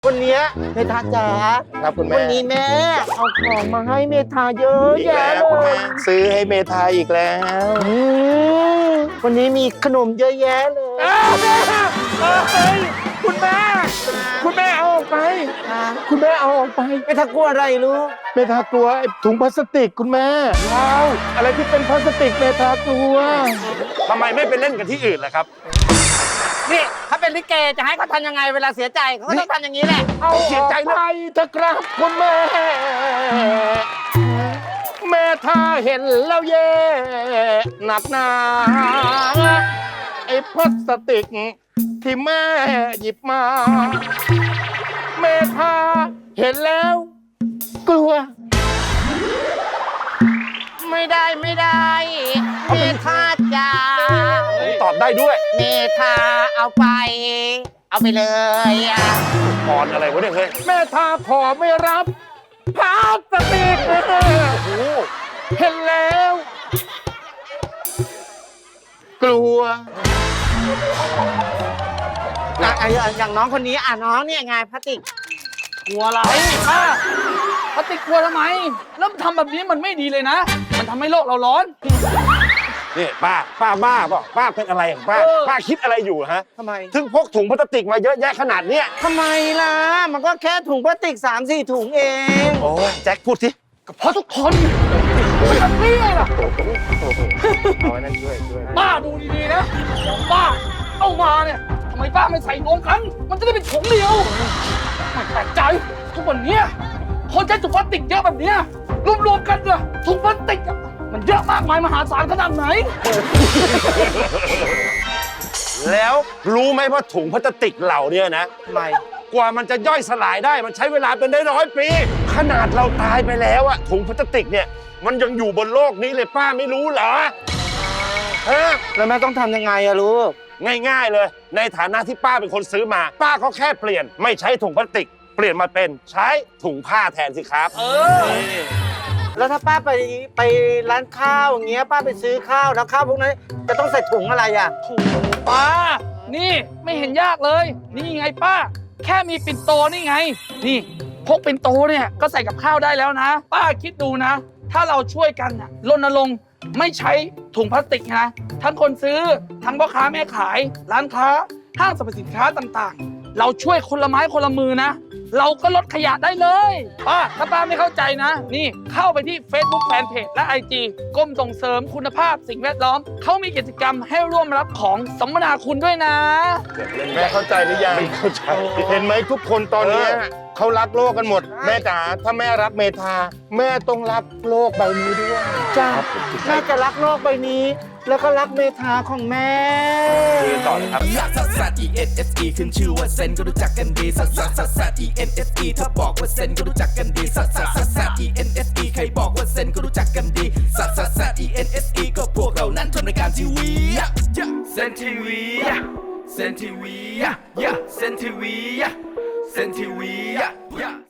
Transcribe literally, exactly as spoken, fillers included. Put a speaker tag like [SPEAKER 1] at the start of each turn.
[SPEAKER 1] วันนี้เมธาจ๋า
[SPEAKER 2] ครับคุณแม่
[SPEAKER 1] วันนี้แม่เอาของมาให้เมธาเยอะแยะเลย
[SPEAKER 2] ซื้อให้เมธาอีกแล้ว
[SPEAKER 1] วันนี้มีขนมเยอะแยะเลย
[SPEAKER 2] เฮ้ยคุณแม่คุณแม่เอาออกไปคุณแม่เอาออกไป
[SPEAKER 1] เมธากลัวอะไรลูก
[SPEAKER 2] เมธากลัวไอ้ถุงพลาสติกคุณแม่ว้าวอะไรที่เป็นพลาสติกเมธากลัวทำไมไม่ไปเล่นกันที่อื่นล่ะครับ
[SPEAKER 1] นี่ถ้าเป็นลิเกจะให้เขาทำยังไงเวลาเสียใจเขาก็ต้องทำอย่างนี้แหละ
[SPEAKER 2] เอาเสียใจไปเถอะครับคุณแม่แม่ถ้าเห็นแล้วเย่หนักหนาไอ้พลาสติกที่แม่หยิบมาแม่ถ้าเห็นแล้วกลัว
[SPEAKER 1] ไม่ได้ไม่ได้เมธาจ๋า
[SPEAKER 2] ผมตอบได้ด้วย
[SPEAKER 1] เมธาเอาไปเอาไปเลยอ่ะ
[SPEAKER 2] พรอะไรวะเนี่ยเฮ้ยแม่ทาขอไม่รับพลาสติกโอ้โหเห็นแล้วกลัว
[SPEAKER 1] อ่ะอย่างน้องคนนี้อ่ะน้องเนี่ยไงพลาสติก
[SPEAKER 3] กลัวอะไรป้าพลาสติกกลัวทำไมแล้วทำแบบนี้มันไม่ดีเลยนะมันทำให้โลกเราร้อน
[SPEAKER 2] นี่ป้าป้าบ้าเปล่าป้าเป็นอะไรของป้าป้าคิดอะไรอยู่ฮะ
[SPEAKER 1] ทำไม
[SPEAKER 2] ถึงพกถุงพลาสติกมาเยอะแยะขนาดเนี้ย
[SPEAKER 1] ทำไมล่ะมันก็แค่ถุงพลาสติก สามสี่ ถุงเอง
[SPEAKER 2] โอ้ยแจ็คพูดสิ
[SPEAKER 3] ก็เพราะทุกคนเป็นแบบนี้ไงล่ะ
[SPEAKER 2] เอาไว้นั่นช่วยช่วย
[SPEAKER 3] ป้าดูดีๆนะของป้าเอามาเนี่ยทำไมป้าไม่ใส่รวมกันมันจะได้เป็นถุงเดียวไม่แปลกใจทุกวันนี้คนใช้ถุงพลาสติกเยอะแบบนี้รวมๆกันเลยถุงพลาสติกมันเยอะมากมายมหาศาลขนาดไหน
[SPEAKER 2] แล้วรู้ไหมว่าถุงพลาสติกเหล่านี้นะ
[SPEAKER 1] ทำไม
[SPEAKER 2] กว่ามันจะย่อยสลายได้มันใช้เวลาเป็นร้อยๆปีขนาดเราตายไปแล้วอะถุงพลาสติกเนี่ยมันยังอยู่บนโลกนี้เลยป้าไม่รู้เหรอฮะ
[SPEAKER 1] แล้วแม่ต้องทำยังไงอะลูก
[SPEAKER 2] ง่ายๆเลยในฐานะที่ป้าเป็นคนซื้อมาป้าก็แค่เปลี่ยนไม่ใช้ถุงพลาสติกเปลี่ยนมาเป็นใช้ถุงผ้าแทนสิครับ
[SPEAKER 3] เออ
[SPEAKER 1] แล้วถ้าป้าไปไปร้านข้าวอย่างเงี้ยป้าไปซื้อข้าวแล้วข้าวพวกนั้นจะต้องใส่ถุงอะไรอ่ะ
[SPEAKER 3] ถุงป้านี่ไม่เห็นยากเลยนี่ไงป้าแค่มีปิ่นโตนี่ไงนี่พกปิ่นโตเนี่ยก็ใส่กับข้าวได้แล้วนะป้าคิดดูนะถ้าเราช่วยกันน่ะรณรงค์ไม่ใช้ถุงพลาสติกนะทั้งคนซื้อทั้งพ่อค้าแม่ขายร้านค้าห้างสรรพสินค้าต่างๆเราช่วยคนละไม้คนละมือนะเราก็ลดขยะได้เลยป้าถ้าป้าไม่เข้าใจนะนี่เข้าไปที่ Facebook Fanpage และ ไอ จี กรมส่งเสริมคุณภาพสิ่งแวดล้อมเขามีกิจกรรมให้ร่วมรับของสัมมนาคุณด้วยนะ
[SPEAKER 2] แม่เข้าใจหรือยังไม่เข้าใจเห็นไหมทุกคนตอนนี้เขารักโลกกันหมดแม่จ๋าถ้าแม่รักเมธาแม่ต้องรักโลกใบนี้ด้วย
[SPEAKER 1] จ้าแม่จะรักโลกใบนี้แล้วก็รักเมธาของแม่
[SPEAKER 2] ต่อเลยครับ
[SPEAKER 4] ซัสซัส อี เอ็น เอส อี ขึ้นชื่อว่าเซนก็รู้จักกันดีซัสซัสซัสซัส อี เอ็น เอส อี ถ้าบอกว่าเซนก็รู้จักกันดีซัสซัสซัสซัส อี เอ็น เอส อี ใครบอกว่าเซนก็รู้จักกันดีซัสซัสซัส อี เอ็น เอส อี ก็พวกเรานั้นทำรายการทีวีเซนทีวีเซนทีวีเซนทีวีเซนทีวี